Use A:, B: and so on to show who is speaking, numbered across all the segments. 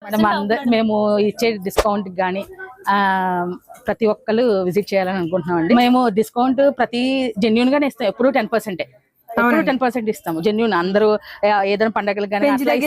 A: Madam మేము ఇచ్చే discount గానీ ప్రతి ఒక్కరు విజిట్ చేయాలని అనుకుంటున్నాం అండి. మేము డిస్కౌంట్ ప్రతి జెన్యూన్ గానే ఇస్తాం. ఎప్పుడు 10%. ఎప్పుడు 10% ఇస్తాము జెన్యూన్. అందరూ ఏదైనా పండుగలు కానీ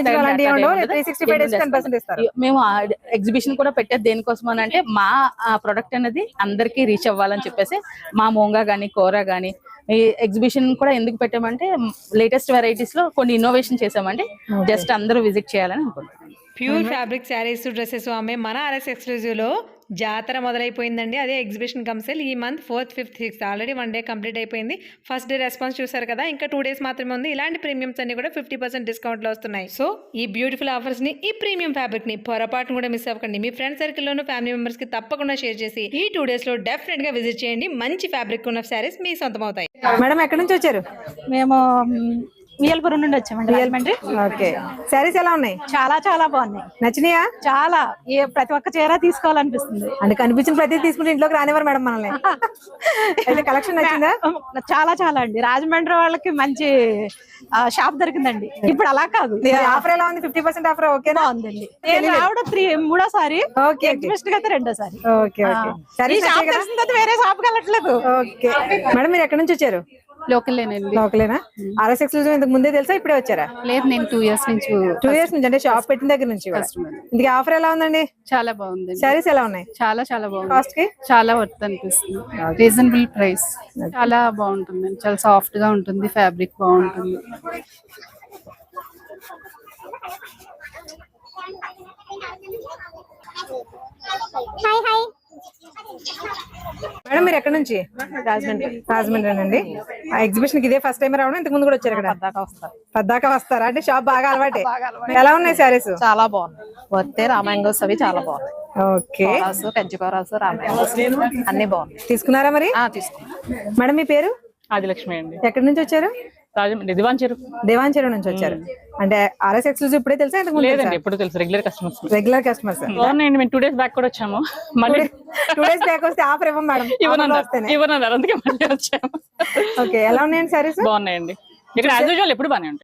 A: మేము ఎగ్జిబిషన్ కూడా పెట్టేది దేనికోసం అని అంటే మా ప్రొడక్ట్ అనేది అందరికి రీచ్ అవ్వాలని చెప్పేసి మా మోంగా గానీ కూర గానీ ఈ ఎగ్జిబిషన్ కూడా ఎందుకు పెట్టామంటే లేటెస్ట్ వెరైటీస్ లో కొన్ని ఇన్నోవేషన్ చేసామండి. జస్ట్ అందరూ విజిట్ చేయాలని అనుకుంటున్నాం.
B: ప్యూర్ ఫ్యాబ్రిక్ శారీస్ డ్రెస్సెస్ ఆమె మన ఆర్ఎస్ ఎక్స్క్లూజివ్ లో జాతర మొదలైపోయిందండి. అదే ఎగ్జిబిషన్ కమ్సెల్ ఈ month 4th, 5th, 6th already 1 day complete అయిపోయింది. ఫస్ట్ డే రెస్పాన్స్ చూసారు కదా, ఇంకా 2 days మాత్రమే ఉంది. ఇలాంటి ప్రీమియమ్స్ అన్ని కూడా 50% డిస్కౌంట్లో వస్తున్నాయి. సో ఈ బ్యూటిఫుల్ ఆఫర్స్ ని, ఈ ప్రీమియం ఫ్యాబ్రిక్ ని పొరపాటును కూడా మిస్ అవ్వకండి. మీ ఫ్రెండ్ సర్కిల్ లోను ఫ్యామిలీ మెంబర్స్ కి తప్పకుండా షేర్ చేసి ఈ 2 days లో డెఫినెట్ గా విజిట్ చేయండి. మంచి ఫ్యాబ్రిక్ ఉన్న శారీస్ మీ సొంతం అవుతాయి.
C: మేడం ఎక్కడి నుంచి వచ్చారు?
D: మేము వియల్పురం నుండి వచ్చామండి.
C: ఓకే, శారీస్ ఎలా ఉన్నాయి?
D: చాలా చాలా బాగున్నాయి.
C: నచ్చినాయా?
D: చాలా. ప్రతి ఒక్క చీర తీసుకోవాలనిపిస్తుంది.
C: అంటే కనిపించిన ప్రతి తీసుకుంటే ఇంట్లోకి రానివ్వరు మేడం మనల్ని. అయితే కలెక్షన్ నచ్చిందా?
D: చాలా చాలా అండి. రాజమండ్రి వాళ్ళకి మంచి షాప్ దొరికిందండి. ఇప్పుడు అలా కాదు.
C: ఆఫర్ ఎలా ఉంది? 50% ఆఫర్ ఓకేనా?
D: ఉందండి. నేను రావడం మూడోసారి, ఎగ్జిబిషన్ అయితే రెండోసారి.
C: Okay okay.
D: వేరే షాప్ కి వెళ్ళట్లేదు.
C: ఓకే మేడం, మీరు ఎక్కడి నుంచి వచ్చారు? లోకలేనా? ఆర్ఎస్ ఎక్స్క్లూజివ్ ఇంతకు ముందే తెలుసా, ఇప్పుడే వచ్చారా?
D: లేదు, నేను 2 years నుంచి.
C: 2 years నుంచి అంటే షాప్ పెట్టిన దగ్గర నుంచి. ఇందుకు ఆఫర్ ఎలా ఉందండి?
D: చాలా బాగుంది.
C: శారీస్ ఎలా ఉన్నాయి?
D: చాలా చాలా బాగుంది.
C: కాస్ట్ కి
D: చాలా వర్త్ అనిపిస్తుంది. Reasonable price. చాలా బాగుంటుంది. చాలా సాఫ్ట్ గా ఉంటుంది. ఫ్యాబ్రిక్ బాగుంటుంది.
C: మేడం మీరు ఎక్కడి నుంచి? రాజమండ్రి అండి. ఆ ఎగ్జిబిషన్ కి ఇదే ఫస్ట్ టైం రావడం? ఇంతకు ముందు కూడా వచ్చారు ఇక్కడ? పద్దాకా వస్తారా? అంటే షాప్ బాగా అలవాటే. ఎలా ఉన్నాయి శారీస్?
D: చాలా బాగున్నాయి. వర్తే. రామాంగోస్ అవి చాలా బాగున్నాయి.
C: ఓకే.
D: కంచికోరాసు, రామాంగోస్ అన్ని బాగున్నాయి.
C: తీసుకున్నారా మరి?
D: తీసుకున్నాం.
C: మేడం మీ పేరు?
A: ఆదిలక్ష్మి అండి.
C: ఎక్కడి నుంచి వచ్చారు? దివాంచెరు నుంచి వచ్చారు. అంటే ఆర్ఎస్ ఎక్స్క్లూజివ్ ఇప్పుడే తెలుసా?
A: ఎప్పుడు తెలుసు. Regular customers. 2 days బ్యాక్ కూడా వచ్చాము. మళ్ళీ
C: 2 days బ్యాక్ వస్తే ఆఫర్ ఇవ్వం మేడం.
A: ఇవ్వనన్నారు, అందుకే మళ్ళీ వచ్చాము.
C: ఓకే, ఎలా ఉన్నాయండి సారీస్?
A: బాగున్నాయండి. ఇక్కడ యాజ్ యూజువల్ ఎప్పుడు బానే ఉంటాయి.